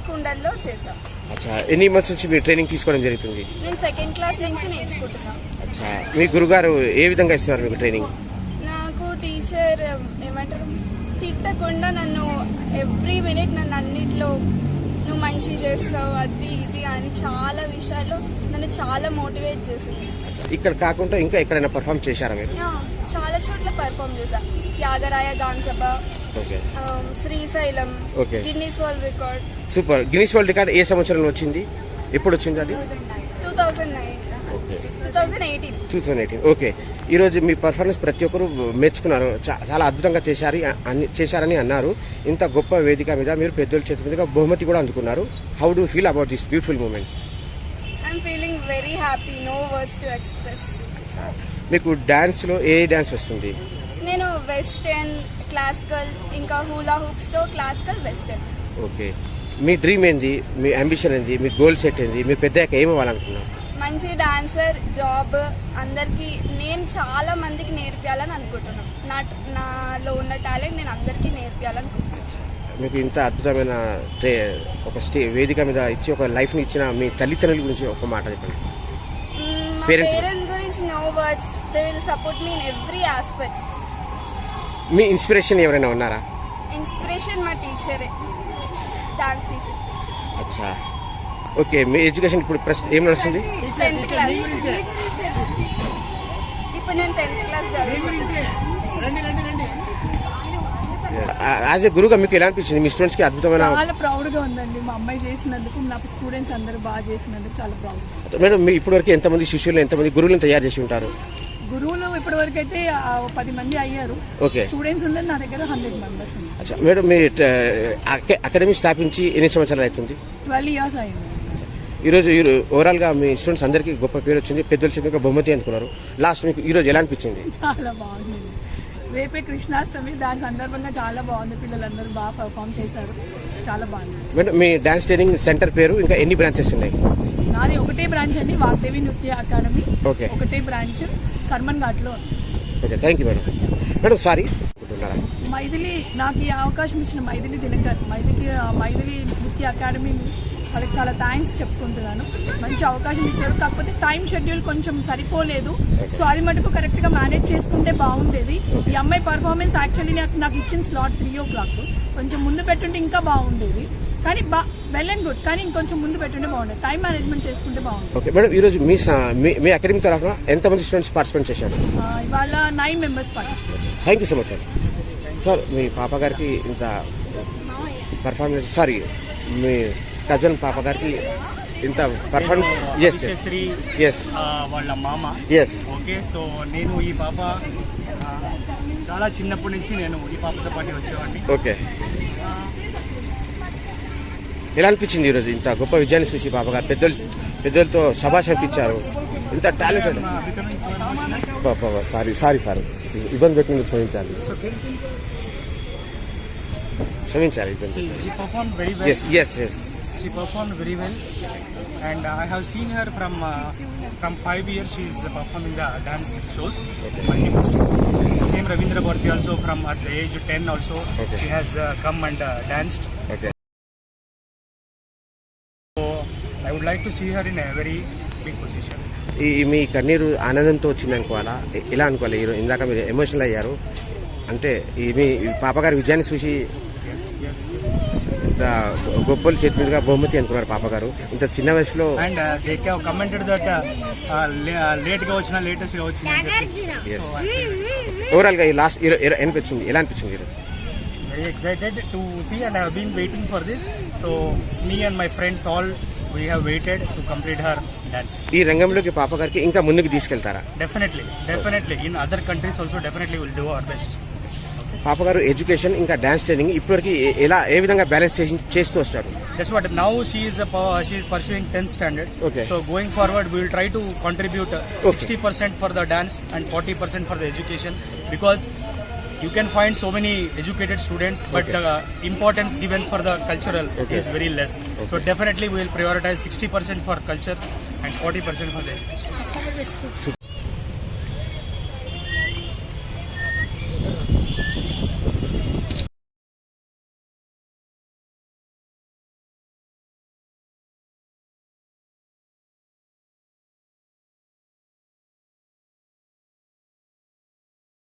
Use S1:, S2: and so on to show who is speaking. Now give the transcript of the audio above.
S1: కుండల్లో చేసాం.
S2: అచ్చా, ఎన్ని మంత్స్ నుంచి మీరు ట్రైనింగ్ తీసుకోవడం జరుగుతుంది?
S1: నేను 2nd క్లాస్ నుంచి నేర్చుకుంటున్నాను.
S2: అచ్చా, మీ గురుగారు ఏ విధంగా ఇస్తున్నారు మీకు ట్రైనింగ్?
S1: నాకు టీచర్ ఏమంటారు, తిట్టకుండా నన్ను ఎవ్రీ మినిట్ నన్ను అన్నిట్లో నువ్వు మంచి చేస్తావు అది ఇది అని చాలా విషయాల్లో నన్ను చాలా మోటివేట్ చేసింది.
S2: ఇక్కడ కాకుండా ఇంకా ఎక్కడైనా పర్ఫామ్ చేశారా మీరు?
S1: చాలా చోట్ల పర్ఫామ్ చేశా. Thyagaraya Gana Sabha, Srisailam, Guinness world record.
S2: Super. Guinness world record ఏ సంవత్సరంలో వచ్చింది? ఎప్పుడు వచ్చింది అది? 2018. ఓకే. ఈరోజు మీ పర్ఫార్మెన్స్ ప్రతి ఒక్కరు మెచ్చుకున్నారు, చాలా అద్భుతంగా చేశారని అన్నారు. ఇంత గొప్ప వేదిక మీద మీరు పెద్దల చేతి మీదుగా బహుమతి కూడా అందుకున్నారు. How do feel about this beautiful moment?
S1: I'm feeling very happy, no words to express.
S2: మీకు డాన్స్లో ఏ డాన్స్ వస్తుంది?
S1: నేను వెస్టర్న్, క్లాసికల్, ఇంకా హూలా హూప్స్తో క్లాసికల్, వెస్టర్న్.
S2: ఓకే. మీ డ్రీమ్ ఏంది? మీ అంబిషన్ ఏంది? మీ గోల్ సెట్ ఏంది? మీరు పెద్దగా ఏమి అవ్వాలనుకున్నారు?
S1: మంచి డాన్సర్, జాబ్, అందరికీ నేను చాలా మందికి నేర్పించాలని అనుకుంటున్నాను. నాలో ఉన్న టాలెంట్ నేను అందరికీ నేర్పించాలనుకుంటున్నాను.
S2: మీకు ఇంత అద్భుతమైన ఒక వేదిక మీద ఇచ్చి ఒక లైఫ్ని ఇచ్చిన మీ తల్లిదండ్రుల గురించి ఒక మాట చెప్పండి.
S1: పేరెంట్స్ గురించి no words, they will support me in every aspects.
S2: మీ ఇన్స్పిరేషన్ ఎవరైనా ఉన్నారా?
S1: ఇన్స్పిరేషన్ మా టీచరే, డాన్స్ టీచర్.
S2: అచ్చా, ఓకే. మీ ఎడ్యుకేషన్ ఇప్పుడు ప్రస్తుతం ఏం నడుస్తుంది?
S1: 10th class. ఇప్పుడు నేను 10th క్లాస్ చదువుతున్నాను.
S2: యాజ్ ఎ గురుగా మీకు ఎలా అనిపించింది? మీ స్టూడెంట్స్కి అద్భుతమైన.
S3: చాలా ప్రౌడ్గా ఉందండి, మా అమ్మాయి చేసినందుకు, నా స్టూడెంట్స్ అందరూ బాగా చేసినందుకు చాలా ప్రౌడ్.
S2: మేడం, మీ ఇప్పటివరకు ఎంతమంది శిష్యులు, ఎంతమంది గురువులను తయారు చేసి ఉంటారు?
S3: గురువులు ఇప్పటి వరకు అయితే 10 మంది అయ్యారు. స్టూడెంట్స్ ఉన్నది నా దగ్గర 100 మెంబర్స్ ఉన్నారు.
S2: మేడం, మీ అకాడమీ స్థాపించి ఎన్ని సంవత్సరాలు అవుతుంది?
S3: 12 years అయింది.
S2: ఈరోజు ఓవరాల్గా మీ స్టూడెంట్స్ అందరికీ గొప్ప పేరు వచ్చింది, పెద్దల చేతిగా బహుమతి అందుకున్నారు. లాస్ట్ మీకు ఈరోజు ఎలా అనిపించింది?
S3: చాలా బాగుంది. రేపే కృష్ణాష్టమి, దాని సందర్భంగా చాలా బాగుంది. పిల్లలందరూ బాగా పర్ఫామ్ చేశారు, చాలా బాగుంది.
S2: మేడం, మీ డాన్స్ ట్రైనింగ్ సెంటర్ పేరు ఇంకా ఎన్ని బ్రాంచెస్ ఉన్నాయి?
S3: నాది ఒకటే బ్రాంచ్ అండి, వాగ్దేవి నృత్య అకాడమీ. ఒకటే బ్రాంచ్ కర్మన్ ఘాట్లో.
S2: Okay, thank you madam. Madam, sorry,
S3: Maithili నాకు ఈ అవకాశం ఇచ్చిన మైథిలి దినకర్, మైథిలి నృత్య అకాడమీని వాళ్ళకి చాలా థ్యాంక్స్ చెప్పుకుంటున్నాను. మంచి అవకాశం ఇచ్చారు, కాకపోతే టైం షెడ్యూల్ కొంచెం సరిపోలేదు. సో అది మటుకు కరెక్ట్గా మేనేజ్ చేసుకుంటే బాగుండేది. ఈ అమ్మాయి పర్ఫార్మెన్స్ యాక్చువల్లీ నాకు ఇచ్చిన స్లాట్ 3 o'clock, కొంచెం ముందు పెట్టుంటే ఇంకా బాగుండేది. కానీ వెల్ అండ్ గుడ్, కానీ ఇంకొంచెం ముందు పెట్టుంటే బాగుండేది. టైం మేనేజ్మెంట్ చేసుకుంటే బాగుండేది.
S2: ఓకే మేడం, ఈరోజు మీ అకాడమీ తరఫున ఎంతమంది స్టూడెంట్స్ పార్టిసిపేట్ చేశారు?
S3: ఇవాళ 9 members పార్టిసిపేట్ చేశారు.
S2: Thank you so much sir. మీ పాప గారికి ఇంత పర్ఫార్మెన్స్, సారీ, మీ కజన్ పాప గారికి ఇంత పర్ఫార్మెన్స్.
S4: వాళ్ళ మామ. ఓకే, సో నేను ఈ పాప చాలా చిన్నప్పటి నుంచి నేను ఈ పాపతో పాటు వచ్చేవాడిని.
S2: ఓకే, ఎలా అనిపించింది ఈరోజు ఇంత గొప్ప విజయాన్ని చూసి? పాప గారు పెద్దలతో శభాష్ అనిపించారు. ఇంత టాలెంటెడ్. సారీ ఫర్ ఇబ్బంది పెట్టినందుకు క్షమించాలి.
S4: She performed very well, and I have seen her from 5 years. She is performing the dance shows. Multiple stages. Same Ravindra Bharti also from at the age of 10 also. She has come and danced. So I would like to see her in a very big position.
S2: మీ కన్నీరు ఆనందంతో వచ్చింది అనుకోవాలా, ఎలా అనుకోవాలి? ఇందాక మీరు emotional అయ్యారు అంటే మీ పాపగారి విజయాన్ని చూసి ఇంత గొప్పలు చేతి మీదుగా బహుమతి అనుకున్నారు పాప గారు ఇంత చిన్న వయసులో.
S4: And they commented that late గా వచ్చినా లేటెస్ట్ గా వచ్చింది.
S2: ఓవరాల్ గా ఈ లాస్ట్ అనిపించింది, ఎలా అనిపించింది?
S4: Very excited to see and I have been waiting for this. So me and my friends all we have waited to complete her dance.
S2: ఈ రంగంలోకి పాప గారికి ఇంకా ముందుకు తీసుకెళ్తారా?
S4: Definitely in other countries also definitely will do our best.
S2: పాప గారు education ఇంకా డాన్స్ ట్రైనింగ్ ఇప్పటివరకు ఏ విధంగా బ్యాలెన్స్ చేస్తూ వస్తారు?
S4: That's what now she is pursuing 10th standard.
S2: Okay.
S4: So going forward we will try to contribute 60% for the dance and 40% for the education, because you can find so many educated students, but importance given for the cultural is very less. So definitely we will prioritize 60% for culture and 40% for the education.